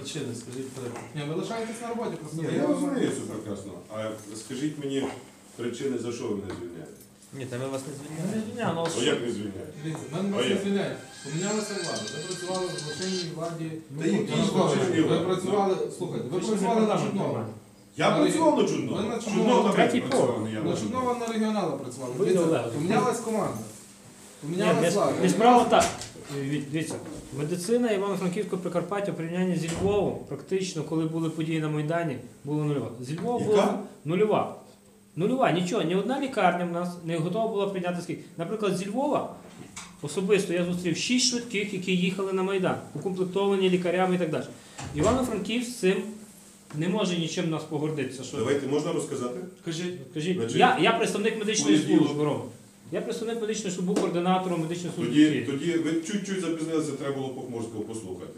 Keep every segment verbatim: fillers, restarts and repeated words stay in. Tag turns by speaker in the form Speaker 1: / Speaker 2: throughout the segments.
Speaker 1: причини, скажіть перед. Ні, ви лишаєтесь на роботі, просто
Speaker 2: Ні, я розумію це прекрасно. А скажіть мені причини, за що ви мене звільняєте?
Speaker 3: Ні, та ми вас не
Speaker 1: Ми
Speaker 3: звільняємо.
Speaker 1: не звільняємо, але
Speaker 2: Ну
Speaker 1: що?
Speaker 2: як не звільняєте?
Speaker 1: Дивіться, ми вас не звільняємо. Помінялася влада. Ви працювали в злочинній владі.
Speaker 2: Та які
Speaker 1: Януковича.
Speaker 2: злочинні
Speaker 1: Ви
Speaker 2: влади?
Speaker 1: працювали, слухайте, ви працювали на Чуднова.
Speaker 2: Я працював на
Speaker 1: Ви
Speaker 2: Чуднова.
Speaker 1: на
Speaker 2: Чуднова
Speaker 1: Чуднова.
Speaker 2: на
Speaker 3: Третій
Speaker 2: працював,
Speaker 3: поверх.
Speaker 2: не я
Speaker 1: На
Speaker 2: на
Speaker 1: Чуднова на регіонала працювали.
Speaker 3: Ви
Speaker 1: Дивіться,
Speaker 3: Олег.
Speaker 1: помінялась команда.
Speaker 3: Ні,
Speaker 1: Помінялась
Speaker 3: не,
Speaker 1: влада.
Speaker 3: не справа так. Дивіться, медицина Івано-Франківського Прикарпаття в порівнянні зі Львовом, практично, коли були події на Майдані, була нульова. Зі Львова
Speaker 2: Яка?
Speaker 3: була нульова. Нульова, нічого, ні одна лікарня в нас не готова була прийняти скільки. Наприклад, зі Львова особисто я зустрів шість швидких, які їхали на Майдан, укомплектовані лікарями і так далі. Івано-Франківськ з цим не може нічим нас погордитися. Що...
Speaker 2: Давайте, можна розказати?
Speaker 3: Кажіть, кажіть.
Speaker 2: Значить,
Speaker 3: Я, я представник медичної
Speaker 2: понеділок.
Speaker 3: служби, Рома. Я представник медичної служби, був координатором медичної служби.
Speaker 2: Тоді,
Speaker 3: Києва.
Speaker 2: тоді ви чуть-чуть запізнилися, треба було Похмурського послухати.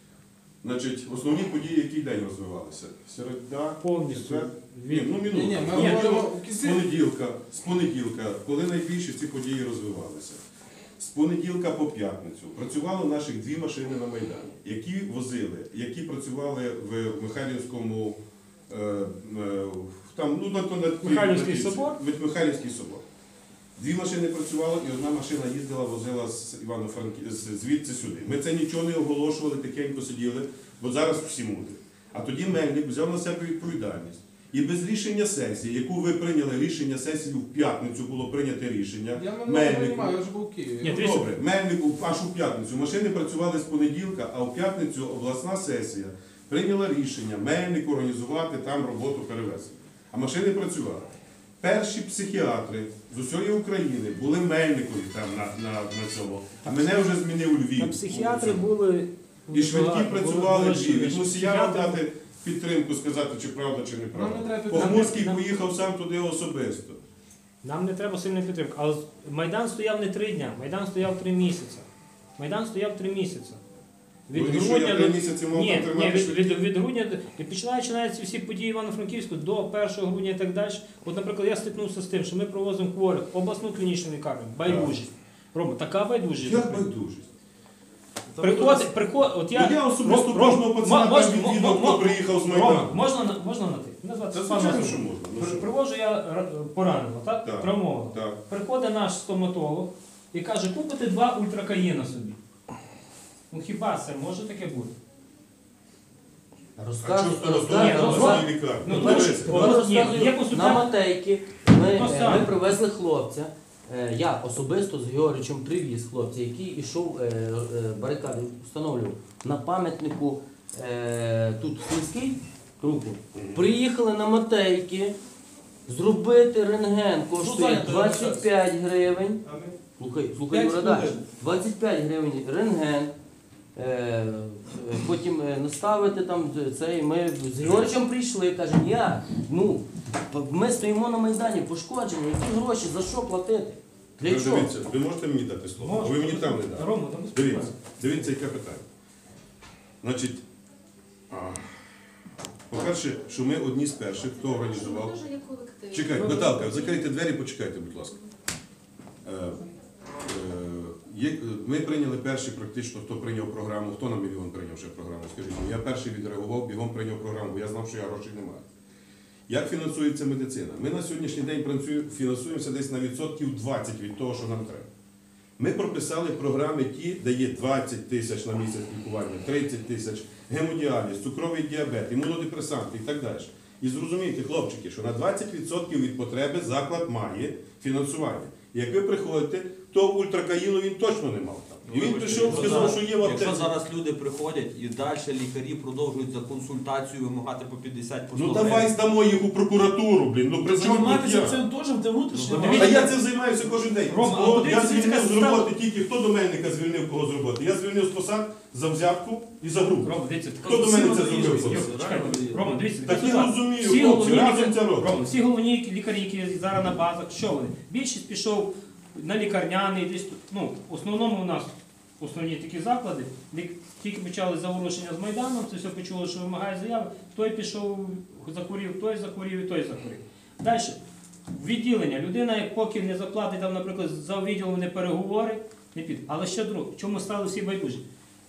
Speaker 2: Значить, основні події, який день розвивалися? Середа,
Speaker 3: Повністю.
Speaker 2: четвер? Ні,
Speaker 3: Від-
Speaker 2: ну
Speaker 1: Ні,
Speaker 2: минуло.
Speaker 1: ні, ми
Speaker 3: Ні,
Speaker 1: говоримо
Speaker 2: З
Speaker 1: в кінці.
Speaker 2: понеділка, з понеділка, коли найбільше ці події розвивалися. З понеділка по п'ятницю працювало наших дві машини на Майдані, які возили, які працювали в Михайлівському, е, е, там, ну, на, на, на,
Speaker 3: Михайлівський
Speaker 2: на-
Speaker 3: собор?
Speaker 2: Від Михайлівський собор. Дві машини працювали, і одна машина їздила, возила з Івано-Франків, звідси сюди. Ми це нічого не оголошували, тихенько сиділи, бо зараз всі мудять. А тоді Мельник взяв на себе відповідальність. І без рішення сесії, яку ви прийняли рішення сесії, в п'ятницю було прийняте рішення.
Speaker 1: Я мене не
Speaker 2: Мельнику.
Speaker 1: розумію, я ж був в Києві.
Speaker 3: Ні,
Speaker 2: Ну,
Speaker 3: дивіться.
Speaker 2: добре, Мельнику аж у п'ятницю. Машини працювали з понеділка, а в п'ятницю обласна сесія прийняла рішення Мельнику організувати там роботу перевезення. А машини працювали. Перші психіатри з усієї України були Мельникові там на, на, на цьому. А мене вже змінив Львів.
Speaker 3: Та психіатри були.
Speaker 2: І швидкі
Speaker 3: були-
Speaker 2: працювали
Speaker 3: були-
Speaker 2: Львів. Від
Speaker 3: були
Speaker 2: Мусіяна
Speaker 3: психіатри.
Speaker 2: дати підтримку, сказати, чи правда, чи
Speaker 1: Нам не
Speaker 2: неправда.
Speaker 1: треба
Speaker 2: Похмурський
Speaker 3: Нам-
Speaker 2: поїхав сам туди особисто.
Speaker 3: Нам не треба сильної підтримки. Але Майдан стояв не три дня, Майдан стояв три місяці. Майдан стояв три місяці.
Speaker 2: Ну, і що, я три місяці мав
Speaker 3: ні,
Speaker 2: там
Speaker 3: ні,
Speaker 2: тримати
Speaker 3: від, від, від грудня, і починаючи навіть ці всі події Івано-Франківську до першого грудня і так далі. От, наприклад, я стикнувся з тим, що ми провозимо хворих в обласну клінічну лікарню, байдужість. Рома, така байдужість.
Speaker 2: Як байдужість?
Speaker 3: Приходить, приходить, от я...
Speaker 2: Ну, я особисто
Speaker 3: Ром,
Speaker 2: кожного
Speaker 3: Ром,
Speaker 2: пацана
Speaker 3: мож-
Speaker 2: там
Speaker 3: мо-
Speaker 2: відвідав,
Speaker 3: мо-
Speaker 2: хто приїхав з
Speaker 3: Рома,
Speaker 2: Майдану.
Speaker 3: можна, на- можна на ти? Мене звати
Speaker 2: Та
Speaker 3: Степан
Speaker 2: звичайно,
Speaker 3: Васильович.
Speaker 2: що можна. Ну,
Speaker 3: При-
Speaker 2: що?
Speaker 3: Привожу я ра- пораненого, так?
Speaker 2: Так.
Speaker 3: Травмованого.
Speaker 2: Так.
Speaker 3: Приходить наш стоматолог і каже, купити два ультракаїна собі. Ну хіба це може таке бути?
Speaker 2: А
Speaker 4: Розказуй,
Speaker 2: чого хто
Speaker 3: Ні,
Speaker 2: розказує
Speaker 3: ну,
Speaker 2: на
Speaker 3: ну,
Speaker 2: своїй лікарні?
Speaker 3: ну,
Speaker 2: Ну,
Speaker 3: тому
Speaker 2: дивись,
Speaker 3: що-
Speaker 4: Ми
Speaker 3: Ні,
Speaker 4: розказуємо
Speaker 3: є консультант-
Speaker 4: на Матейки. Ми,
Speaker 3: То
Speaker 4: е,
Speaker 3: саме.
Speaker 4: ми привезли хлопця. Е, Я особисто з Георгійовичем привіз хлопця, який йшов е, е, барикади, встановлював на пам'ятнику е, тут сільський руку. Приїхали на Матейки, зробити рентген коштує двадцять п'ять гривень. Слухай, слухай,
Speaker 1: П'ять
Speaker 4: Юра, далі.
Speaker 1: хвилин.
Speaker 4: двадцять п'ять гривень рентген. Е, е, Потім е, наставити там цей. Ми з Георгієм прийшли, кажемо, я, ну, ми стоїмо на Майдані, пошкоджені, які гроші, за що платити? Для
Speaker 2: Ви
Speaker 4: чого?
Speaker 2: дивіться, ви можете мені дати слово?
Speaker 3: Можна.
Speaker 2: А ви мені там не дали.
Speaker 3: Рома, там
Speaker 2: Дивіться, дивіться, яке питання. Значить, а, по-перше, що ми одні з перших, хто організував.
Speaker 5: Дуже є колектив.
Speaker 2: Чекайте, Наталка, закрийте двері, почекайте, будь ласка. Е, е, є, ми прийняли перші практично, хто прийняв програму, хто на мільйон прийняв ще програму, скажіть мені. Я перший відреагував, бігом прийняв програму, бо я знав, що я грошей не маю. Як фінансується медицина? Ми на сьогоднішній день працюємо, фінансуємося десь на відсотків двадцять від того, що нам треба. Ми прописали програми ті, де є двадцять тисяч на місяць лікування, тридцять тисяч, гемодіаліз, цукровий діабет, імунодепресанти і так далі. І зрозумійте, хлопчики, що на двадцять відсотків від потреби заклад має фінансування. І як ви приходите, то ультракаїну він точно не мав там. І він прийшов, сказав, що є в аптеці.
Speaker 6: Якщо зараз люди приходять і далі лікарі продовжують за консультацію вимагати по п'ятдесят по сто
Speaker 2: Ну давай здамо їх у прокуратуру, блін. Ну при чому тут
Speaker 7: Займатися
Speaker 2: я?
Speaker 7: цим теж в внутрішньому.
Speaker 6: Ну,
Speaker 2: А я цим займаюся кожен день.
Speaker 3: Рома, а
Speaker 2: О,
Speaker 3: подивіться,
Speaker 2: я звільнив
Speaker 3: яка
Speaker 2: з
Speaker 3: система-
Speaker 2: роботи тільки хто до Мельника звільнив кого з роботи. Я звільнив з посад за взятку і за гру.
Speaker 3: Рома, дивіться,
Speaker 2: Хто до мене це зробив?
Speaker 3: Чекайте, Рома, дивіться,
Speaker 2: Так я
Speaker 3: зараз
Speaker 2: розумію,
Speaker 3: всі
Speaker 2: хлопці,
Speaker 3: головні
Speaker 2: разом
Speaker 3: лікарі-
Speaker 2: це робимо.
Speaker 3: Рома, всі головні лікарі, які зараз на базах, що вони? Більшість пішов на лікарняний, десь тут, ну, в основному у нас основні такі заклади, лік- тільки почали заворушення з Майданом, це все почули, що вимагає заяви, той пішов, захворів, той захворів і той захворів. Далі, відділення. Людина, як поки не заплатить, там, наприклад, за відділом не переговори, не піде. Але ще друге, чому стали всі байдужі?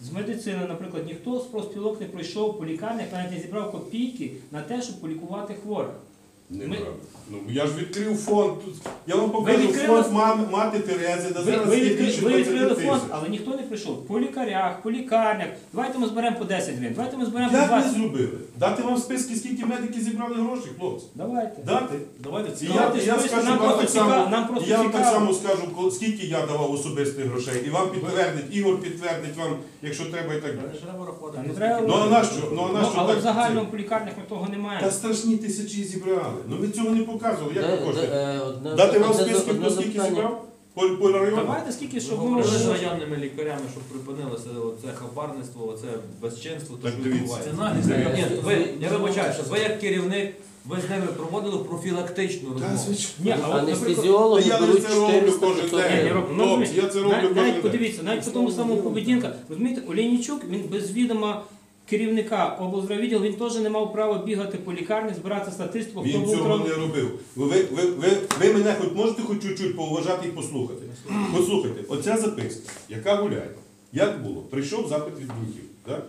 Speaker 3: З медицини, наприклад, ніхто з профспілок не пройшов по лікарнях, навіть не зібрав копійки на те, щоб полікувати хворих.
Speaker 2: Неправда. Ну, я ж відкрив фонд. Тут. Я вам покажу
Speaker 3: відкрили-
Speaker 2: фонд мам- мати Терези, де
Speaker 3: Ви,
Speaker 2: зараз
Speaker 3: ви,
Speaker 2: є
Speaker 3: відкрили,
Speaker 2: більше
Speaker 3: ви відкрили
Speaker 2: двадцяти
Speaker 3: фонд,
Speaker 2: тисяч.
Speaker 3: але ніхто не прийшов. По лікарях, по лікарнях. Давайте ми зберемо по десять гривень, давайте ми зберемо по
Speaker 2: Як ви
Speaker 3: двадцять.
Speaker 2: зробили? Дати вам списки, скільки медики зібрали грошей, хлопці?
Speaker 3: Давайте.
Speaker 2: Дати?
Speaker 5: Давайте
Speaker 2: І
Speaker 5: це.
Speaker 2: я,
Speaker 3: Давайте
Speaker 2: і я
Speaker 3: списки,
Speaker 2: скажу
Speaker 3: нам
Speaker 2: вам
Speaker 3: просто
Speaker 2: так само,
Speaker 3: цікаво- нам просто
Speaker 2: і я вам так
Speaker 3: цікаво.
Speaker 2: само скажу, коли- скільки я давав особистих грошей. І вам підтвердить, Ігор підтвердить вам, якщо треба і так далі.
Speaker 5: Треба рахувати.
Speaker 3: Та не треба.
Speaker 2: Ну а на що? Ну, а на
Speaker 3: Ну,
Speaker 2: що
Speaker 3: але
Speaker 2: так?
Speaker 3: в загальному по лікарнях ми того немає.
Speaker 2: Та страшні тисячі зібрали. Ну ви цього не показували. Як ви
Speaker 4: Де-
Speaker 2: хочете?
Speaker 4: де, е, одне-
Speaker 2: Дати вам
Speaker 4: одне-
Speaker 2: списки,
Speaker 4: одне
Speaker 2: хто скільки
Speaker 4: запитання.
Speaker 2: зібрав? По, по району?
Speaker 3: Давайте скільки,
Speaker 6: Ви
Speaker 3: щоб ми
Speaker 6: говорили з
Speaker 3: можемо.
Speaker 6: районними лікарями, щоб припинилося оце хабарництво, оце безчинство, то
Speaker 2: Так,
Speaker 6: що
Speaker 2: дивіться.
Speaker 6: відбувається.
Speaker 5: Це наглість.
Speaker 4: Е,
Speaker 6: Ні,
Speaker 4: з-
Speaker 6: ви,
Speaker 4: з-
Speaker 6: я
Speaker 4: з-
Speaker 6: вибачаюся, ви як керівник, ви з ними проводили профілактичну
Speaker 2: Та,
Speaker 6: розмову.
Speaker 2: звичайно.
Speaker 3: Ні, а от, наприклад,
Speaker 4: Анестезіологи
Speaker 2: Та я
Speaker 4: беруть
Speaker 2: це роблю
Speaker 4: чотириста
Speaker 2: кожен
Speaker 4: п'ятсот
Speaker 2: день.
Speaker 3: Ні,
Speaker 4: гривень.
Speaker 3: Європа, ну,
Speaker 2: Хлопці,
Speaker 3: розумієте,
Speaker 2: я це роблю
Speaker 3: навіть,
Speaker 2: кожен
Speaker 3: навіть
Speaker 2: день.
Speaker 3: подивіться, навіть по тому самому поведінка. Розумієте, Олійничук, він без відома керівника облздравідділу, він теж не мав права бігати по лікарні, збирати статистику, хто
Speaker 2: Він
Speaker 3: був
Speaker 2: цього
Speaker 3: кров-
Speaker 2: не робив. Ви, ви, ви, ви, ви мене хоч можете хоч чуть-чуть поуважати і послухати. Послухайте, оця записка, яка гуляє, як було? Прийшов запит від бунтів. Так?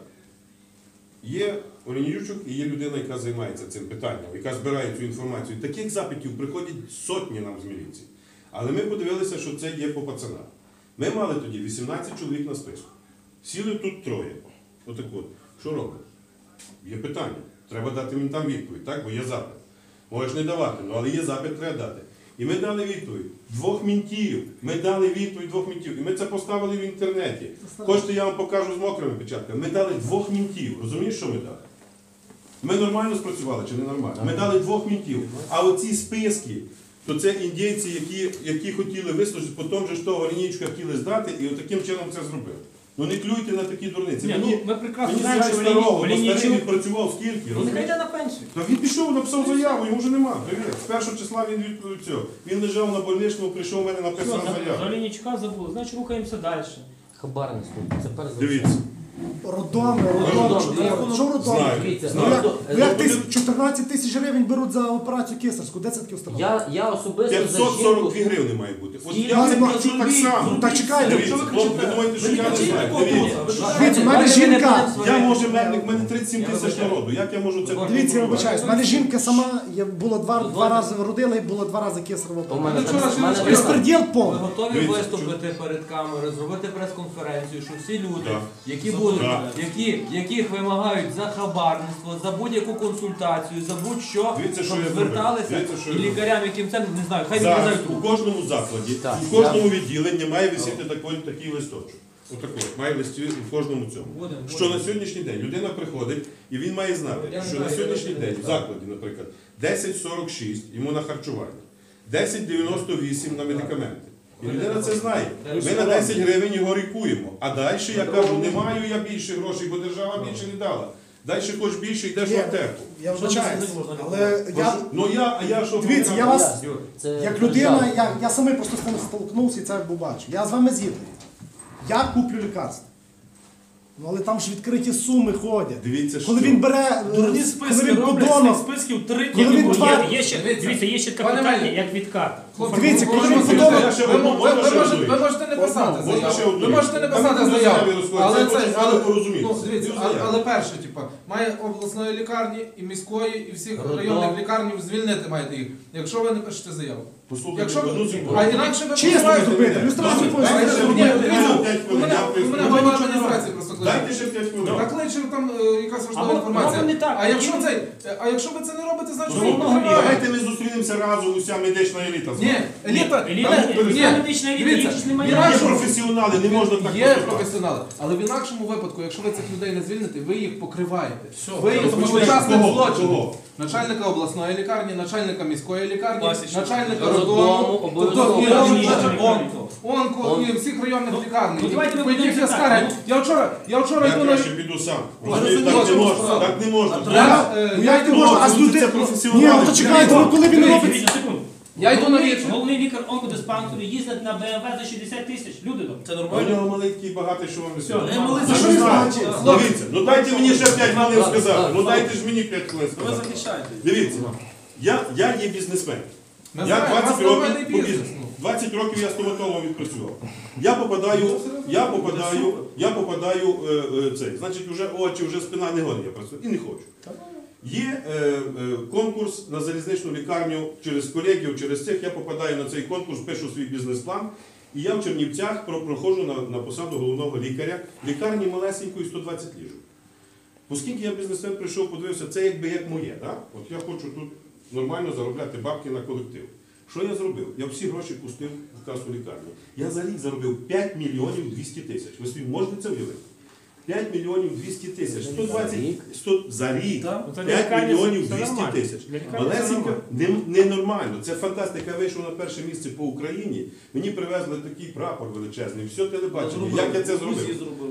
Speaker 2: Є Олінійчук і є людина, яка займається цим питанням, яка збирає цю інформацію. Таких запитів приходять сотні нам з міліції. Але ми подивилися, що це є по пацанах. Ми мали тоді вісімнадцять чоловік на списку. Сіли тут троє. Отак от. Що робимо? Є питання. Треба дати їм там відповідь, так? Бо є запит. Можеш не давати, ну, але є запит, треба дати. І ми дали відповідь. Двох мінтів. Ми дали відповідь двох мінтів. І ми це поставили в інтернеті. Хочете, я вам покажу з мокрими печатками. Ми дали двох мінтів. Розумієш, що ми дали? Ми нормально спрацювали чи не нормально? Ми дали двох мінтів. А оці списки, то це індійці, які, які хотіли вислужити, потім же ж того лінійку хотіли здати, і отаким чином це зробили. Ну не клюйте на такі дурниці.
Speaker 3: Ні,
Speaker 2: Мені,
Speaker 3: ну, ми прекрасно
Speaker 2: мені
Speaker 3: знаємо,
Speaker 2: зять
Speaker 3: що
Speaker 2: старого, бо
Speaker 3: Олійничук...
Speaker 2: старий відпрацював скільки,
Speaker 3: Ну, нехай
Speaker 2: розумієш?
Speaker 3: йде на пенсію.
Speaker 2: Та він пішов, написав заяву, йому вже нема. Привіт. З першого числа він відповів цього. Він лежав на больничному, прийшов у мене
Speaker 3: Все,
Speaker 2: написав
Speaker 3: за, за
Speaker 2: заяву.
Speaker 3: Олійничука забули, значить рухаємося далі.
Speaker 4: Хабарництво. Це перш за все.
Speaker 2: Дивіться.
Speaker 7: Роддоми,
Speaker 4: Роддоми.
Speaker 7: роддоми, що
Speaker 4: Я
Speaker 7: таке? Що роддоми?
Speaker 2: знаю.
Speaker 4: Дивіться,
Speaker 7: Ну як,
Speaker 4: ну,
Speaker 7: ну, як
Speaker 2: ну,
Speaker 7: тис- чотирнадцять тисяч гривень беруть за операцію кесарську? Де це таке установа?
Speaker 4: Я, я особисто за
Speaker 2: п'ятсот сорок
Speaker 4: жінку...
Speaker 2: дві гривні має бути. От
Speaker 4: Скільки?
Speaker 2: я це
Speaker 7: Ну,
Speaker 2: плачу так само.
Speaker 7: Ну так чекайте.
Speaker 2: Дивіться, хлопці, ви думаєте, що я не знаю. Дивіться.
Speaker 7: Дивіться, в мене жінка.
Speaker 2: Я може медник, в мене тридцять сім тисяч народу. Як я можу це
Speaker 7: Дивіться, я вибачаюсь, в мене жінка сама я було два, два
Speaker 4: Дозвольте.
Speaker 7: рази родила і було два рази кесарева
Speaker 4: У мене
Speaker 7: операція.
Speaker 4: так- в мене так-
Speaker 7: Безпреділ
Speaker 6: Ви
Speaker 7: повний.
Speaker 6: готові
Speaker 2: Дивіться,
Speaker 6: виступити перед камерою, зробити прес-конференцію, що всі люди,
Speaker 2: Так.
Speaker 6: які будуть,
Speaker 2: Так.
Speaker 6: які, яких вимагають за хабарництво, за будь-яку консультацію, за будь-що,
Speaker 2: Дивіться, що
Speaker 6: щоб
Speaker 2: я зробив.
Speaker 6: зверталися
Speaker 2: Дивіться, що
Speaker 6: і
Speaker 2: я зробив.
Speaker 6: лікарям, яким це не знаю, хай
Speaker 2: Зараз
Speaker 6: відрізають
Speaker 2: у
Speaker 6: руку.
Speaker 2: кожному закладі,
Speaker 4: Так,
Speaker 2: у кожному відділенні має висіти такий, такий листочок. Отакий, має листі у кожному цьому. Що на сьогоднішній день людина приходить і він має знати, що на сьогоднішній день в закладі, наприклад, десять сорок шість йому на харчування, десять дев'яносто вісім на медикаменти. І людина це знає. Ми на десять гривень його рікуємо. А далі я кажу, не маю я більше грошей, бо держава більше не дала. Далі хоч більше йдеш в
Speaker 7: Є.
Speaker 2: аптеку.
Speaker 7: Я вибачаюсь, але я,
Speaker 2: Ну я, а я що?
Speaker 7: дивіться, я вас,
Speaker 4: Це
Speaker 7: як
Speaker 4: держава.
Speaker 7: людина, я, я самий просто з тим столкнувся і це побачив. Я з вами згідний. Я куплю лікарство. Ну але там ж відкриті суми ходять.
Speaker 2: Дивіться, що.
Speaker 7: Коли він бере, е,
Speaker 5: Дурні
Speaker 7: коли
Speaker 5: списки
Speaker 7: він
Speaker 5: роблять,
Speaker 7: подонок,
Speaker 5: цих списків три
Speaker 7: Коли він
Speaker 5: кіло.
Speaker 7: два-
Speaker 3: Є, є ще, дивіться, є ще таке
Speaker 8: Пане
Speaker 3: питання,
Speaker 8: Мельник.
Speaker 3: як відкат.
Speaker 7: Дивіться, коли він
Speaker 2: Я
Speaker 7: подонок,
Speaker 2: ще
Speaker 8: Ви,
Speaker 2: одну,
Speaker 8: ви,
Speaker 2: можна
Speaker 8: ви,
Speaker 2: ще
Speaker 8: можете,
Speaker 2: одну?
Speaker 8: ви можете не писати
Speaker 2: Можна ще
Speaker 8: заяву.
Speaker 2: одну?
Speaker 8: Ви можете не
Speaker 2: Там
Speaker 8: писати
Speaker 2: люди
Speaker 8: заяву.
Speaker 2: заяві розходяться,
Speaker 8: Але
Speaker 2: я
Speaker 8: це,
Speaker 2: хочу з вами
Speaker 8: але,
Speaker 2: порозумітися.
Speaker 8: ну, дивіться,
Speaker 2: Цю
Speaker 8: але,
Speaker 2: заяву.
Speaker 8: але перше, типа, має обласної лікарні і міської, і всіх
Speaker 4: Роддом.
Speaker 8: районних лікарнів звільнити маєте їх, якщо ви не пишете заяву.
Speaker 2: Послухайте,
Speaker 8: Якщо
Speaker 2: одну
Speaker 8: ви,
Speaker 2: секунду.
Speaker 8: а інакше ви
Speaker 7: чесно
Speaker 8: почуваєте-
Speaker 7: зробити, люстрацію
Speaker 2: Дайте
Speaker 7: повинні
Speaker 2: ще
Speaker 7: зробити.
Speaker 8: Ні,
Speaker 2: одну,
Speaker 8: дивіться,
Speaker 2: п'ять
Speaker 8: у
Speaker 2: хвилин,
Speaker 8: мене,
Speaker 2: я
Speaker 8: у
Speaker 2: поясню.
Speaker 8: мене
Speaker 2: Ну,
Speaker 8: голова
Speaker 2: нічого не
Speaker 8: адміністрації просто кличе.
Speaker 2: Дайте ще п'ять хвилин.
Speaker 8: Так кличе там е, якась важлива
Speaker 3: Або-
Speaker 8: інформація.
Speaker 3: або не так.
Speaker 8: А якщо це, а якщо ви це не робите, значить
Speaker 2: Ну,
Speaker 8: ви покриваєте.
Speaker 2: давайте ми зустрінемося разом, уся медична еліта.
Speaker 8: Ні, еліта,
Speaker 3: Еліта,
Speaker 8: там-
Speaker 3: еліта,
Speaker 8: ні,
Speaker 3: медична еліта,
Speaker 8: дивіться,
Speaker 3: їх ж немає.
Speaker 2: Є
Speaker 8: інакше-
Speaker 2: професіонали, не можна так
Speaker 8: Є
Speaker 2: поступати.
Speaker 8: професіонали, але в інакшому випадку, якщо ви цих людей не звільните, ви їх покриваєте.
Speaker 5: Все,
Speaker 8: Ви їх
Speaker 2: Розпочнемо.
Speaker 8: учасник
Speaker 2: Кого?
Speaker 8: злочину.
Speaker 2: Кого?
Speaker 8: Начальника обласної лікарні, начальника міської лікарні,
Speaker 5: Пасічника.
Speaker 8: начальника
Speaker 4: Роддому,
Speaker 8: роддому,
Speaker 4: обов'язково.
Speaker 8: тобто і
Speaker 3: Обов'язково.
Speaker 8: онко, онко і всіх районних лікарень.
Speaker 3: ну, давайте ми
Speaker 8: По яких
Speaker 3: будемо
Speaker 8: я
Speaker 3: так.
Speaker 8: скаргаю. Я вчора, я вчора
Speaker 2: Я
Speaker 8: йду на...
Speaker 2: краще піду сам.
Speaker 8: Ну,
Speaker 2: Розумієте,
Speaker 8: розумію,
Speaker 2: так не
Speaker 8: що
Speaker 2: можна,
Speaker 8: можна.
Speaker 2: так не можна.
Speaker 8: Я, е,
Speaker 7: Ну
Speaker 8: я
Speaker 7: як не
Speaker 8: йду-
Speaker 7: можна, а з
Speaker 2: це
Speaker 7: людей...
Speaker 2: професіонали.
Speaker 7: Ні, ну то чекайте, ну коли він
Speaker 8: Дивіться,
Speaker 7: робить...
Speaker 3: Дивіться, секунду.
Speaker 8: Я йду на
Speaker 3: Головний-
Speaker 8: вічі.
Speaker 3: Головний лікар онкодиспансеру їздить на Б М В за шістдесят тисяч. Люди добрі.
Speaker 5: Це
Speaker 2: А у
Speaker 5: нормально?
Speaker 2: нього маленький багатий, що вам не
Speaker 3: Все,
Speaker 2: сказати.
Speaker 3: не
Speaker 5: малий,
Speaker 2: За
Speaker 7: за
Speaker 2: що
Speaker 7: що
Speaker 2: значить?
Speaker 7: значить?
Speaker 2: Дивіться, ну дайте мені ще п'ять хвилин сказати. Ну
Speaker 4: так.
Speaker 2: дайте ж мені п'ять хвилин
Speaker 5: Ви
Speaker 2: сказати.
Speaker 5: захищаєте.
Speaker 2: Дивіться, я, я є бізнесмен.
Speaker 8: Ми
Speaker 2: Я
Speaker 8: знаємо, у
Speaker 2: двадцять
Speaker 8: вас нормальний
Speaker 2: років по
Speaker 8: бізнес.
Speaker 2: бізнесу. двадцять років я стоматологом відпрацював. Я попадаю, я попадаю, я попадаю е, е, цей. Значить, вже очі, вже спина не гонить, я працюю і не хочу. Є е, е, конкурс на залізничну лікарню через колегів, через цих. Я попадаю на цей конкурс, пишу свій бізнес-план. І я в Чернівцях про- проходжу на, на посаду головного лікаря. Лікарні малесенької сто двадцять ліжок. Оскільки я бізнесмен прийшов, подивився, це якби як моє. Да? От я хочу тут нормально заробляти бабки на колектив. Що я зробив? Я всі гроші пустив в касу лікарні. Я за рік заробив п'ять мільйонів двісті тисяч. Ви собі можете це уявити? п'ять мільйонів двісті тисяч. сто двадцять сто за рік.
Speaker 3: Так. Ну, це для
Speaker 2: п'ять
Speaker 3: лікарні
Speaker 2: мільйонів
Speaker 3: це
Speaker 2: двісті
Speaker 3: нормально.
Speaker 2: тисяч.
Speaker 3: Для лікарні це
Speaker 2: Малесенько,
Speaker 3: нормально.
Speaker 2: не- ненормально. Це фантастика. Я вийшов на перше місце по Україні. Мені привезли такий прапор величезний, все телебачення. Як я це зробив?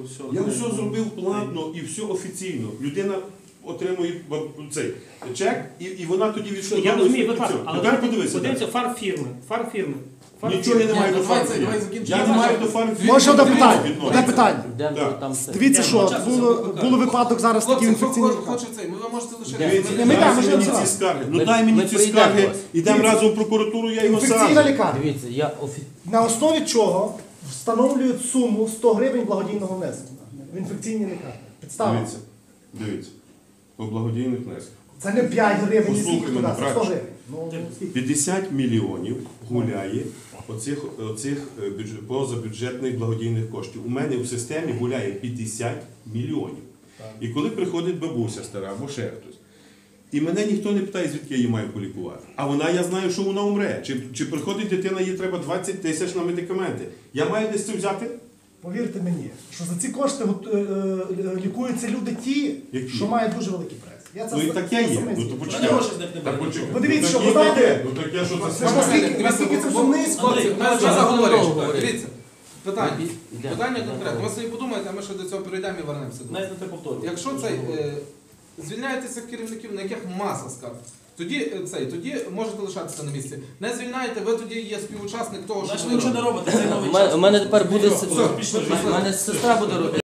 Speaker 2: Я все зробив платно і все офіційно. Людина отримує баб- цей чек, і, і вона тоді відшкодовує.
Speaker 3: Я розумію,
Speaker 2: свою
Speaker 3: будь ласка,
Speaker 2: цю.
Speaker 3: але
Speaker 2: Тепер
Speaker 3: давайте
Speaker 2: подивися.
Speaker 3: подивимося
Speaker 2: далі.
Speaker 3: фарфірми. Фарфірми.
Speaker 2: Нічого я не маю
Speaker 8: Ні,
Speaker 2: до
Speaker 8: давай це,
Speaker 2: фармфірми.
Speaker 8: давай закінчимо.
Speaker 2: Я не маю до фармфірми.
Speaker 7: Може одне питання?
Speaker 2: відношення.
Speaker 7: Одне питання.
Speaker 4: Йдемо
Speaker 2: Так.
Speaker 4: там все.
Speaker 7: Дивіться, що було, було випадок зараз такий
Speaker 8: Хлопці, хто
Speaker 7: інфекційний.
Speaker 8: хо- хоче цей, ми вам можете лише...
Speaker 2: Дивіться,
Speaker 7: Ми- ми
Speaker 2: дай
Speaker 7: йдемо,
Speaker 2: мені
Speaker 7: ми
Speaker 2: ці
Speaker 7: йдемо.
Speaker 2: скарги. Ну
Speaker 4: Ми-
Speaker 2: дай мені
Speaker 4: ми
Speaker 2: ці
Speaker 4: прийдемо
Speaker 2: скарги,
Speaker 4: до вас.
Speaker 2: ідемо
Speaker 7: Дивіться.
Speaker 2: разом в прокуратуру, я його
Speaker 7: Інфекційна
Speaker 2: сразу.
Speaker 7: лікарня.
Speaker 4: Дивіться, я офі...
Speaker 7: На основі чого встановлюють суму сто гривень благодійного внеску в інфекційній лікарні. Підстава.
Speaker 2: Дивіться, дивіться. По благодійних внесках.
Speaker 7: Це не п'ять гривень, і
Speaker 2: Послухай
Speaker 7: скільки
Speaker 2: мене,
Speaker 7: туди, це сто
Speaker 2: брат.
Speaker 7: гривень. Ну, скільки?
Speaker 2: п'ятдесят мільйонів гуляє оцих, оцих е, бюджет, позабюджетних благодійних коштів. У мене в системі гуляє п'ятдесят мільйонів. І коли приходить бабуся стара або ще хтось, і мене ніхто не питає, звідки я її маю полікувати. А вона, я знаю, що вона умре. Чи, чи приходить дитина, їй треба двадцять тисяч на медикаменти. Я маю десь це взяти?
Speaker 7: Повірте мені, що за ці кошти от, е, е, лікуються люди ті,
Speaker 2: Які?
Speaker 7: що мають дуже великий прес. Я це
Speaker 2: Ну і
Speaker 7: с-
Speaker 2: таке є.
Speaker 7: саме
Speaker 2: Ну то
Speaker 7: знаю.
Speaker 2: почекай. Так почекай.
Speaker 7: Подивіться,
Speaker 2: Ну,
Speaker 7: що
Speaker 2: такі
Speaker 7: вона-
Speaker 2: таке. Ну так я що
Speaker 7: Це
Speaker 2: це
Speaker 7: ж наскільки, наскільки це все низько.
Speaker 8: Хлопці,
Speaker 4: Андрій,
Speaker 8: ми вже
Speaker 4: давай,
Speaker 8: заговорюємо.
Speaker 4: давай,
Speaker 8: Дивіться, питання.
Speaker 4: Ідемо.
Speaker 8: Питання
Speaker 4: Ідемо.
Speaker 8: конкретне. Ви собі подумайте, а ми ще до цього перейдемо і вернемося до вас. Якщо цей е, звільняєтеся керівників, на яких маса скарг, тоді е, цей, тоді можете лишатися на місці. Не звільняєте, ви тоді є співучасник того, що ви робите.
Speaker 4: У мене- У мене тепер буде... с- У мене сестра буде робити.